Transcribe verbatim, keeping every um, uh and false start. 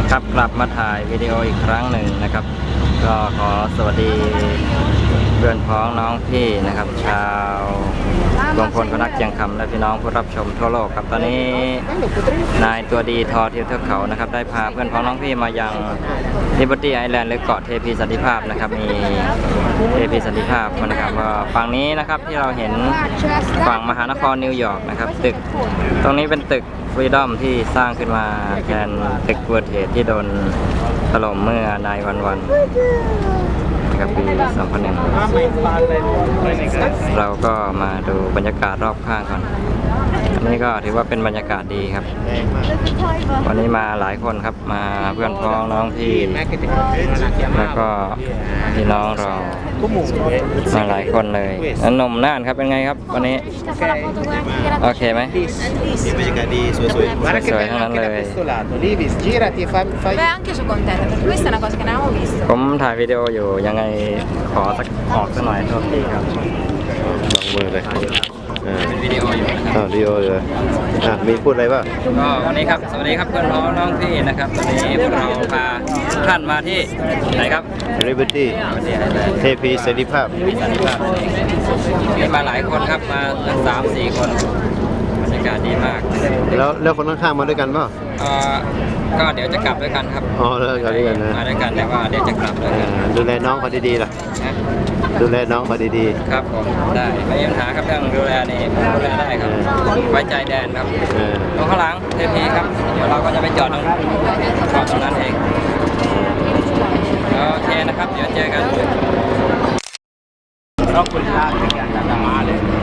ครับกลับมาถ่ายวิดีโออีกครั้งหนึ่งนะครับ ก็ขอสวัสดีเพื่อนพ้องน้องพี่นะครับ ชาวรวมพลคนรักเชียงคำและพี่น้องผู้รับชมทั่วโลกครับตอนนี้นายตัวดีทอเที่ยวเทือกเขานะครับได้พาเพื่อนพ้องน้องพี่มายังลิเบอร์ตี้ไอแลนด์หรือเกาะเทพีสันติภาพนะครับมีเทพีสันติภาพนะครับว่าฝั่งนี้นะครับที่เราเห็นฝั่งมหานครนิวยอร์กนะครับตึกตรงนี้เป็นตึกฟรีดอมที่สร้างขึ้นมาแทนตึกเวิร์ดเทรดที่โดนถล่มเมื่อนายวันวันนะครับปีสองพันหนึ่งเราก็มาดูบรรยากาศรอบข้างก่อนอันนี้ก็ถือว่าเป็นบรรยากาศดีครับวันนี้มาหลายคนครับมาเพื่อนพ้องน้องพี่แล้วก็พี่น้องเรามาหลายคนเลยนมน่านครับเป็นไงครับวันนี้โอเคไหมบรรยากาศดีสวยๆสวยๆทั้งนั้นเลย Beh, anche io sono contenta perché questa è una cosa che non avevo visto. ผมถ่ายวิดีโออยู่ยังไงขอสักออกสักหน่อยโทษทีครับลองมือเลยอ่าเป็นวิดีโออยู่นะครับอ่าวิดีโอเลยอ่ะมีพูดอะไรบ้างก็วันนี้ครับสวัสดีครับเพื่อนพ้องน้องพี่นะครับวันนี้พวกเราพาทุกท่านมาที่ไหนครับลิเบอร์ตี้ที่ไอแลนด์เทพีสันติภาพมีสันติภาพมีมาหลายคนครับมาสามสี่คนบรรยากาศดีมากแล้วแล้วคนข้างๆมาด้วยกันเปล่าเอ่อก็เดี๋ยวจะกลับด้วยกันครับอ๋อแล้วกันด้วยกันนะมาด้วยกันแต่ว่าเดี๋ยวจะกลับด้วยอ่ากันดูแลน้องเขาดีๆล่ะนะดูแลน้องเขาดีครับผมได้ไม่มีปัญหาครับเรื่องดูแลนี่ดูแลได้ครับไว้ใจแดนครับๆเออตรงข้างหลังเทพีครับเดี๋ยวเราก็จะไปจอดตรงจอดตรงนั้นเองโอเคนะครับเดี๋ยวเจอกันขอบคุณลาที่กันมาเลย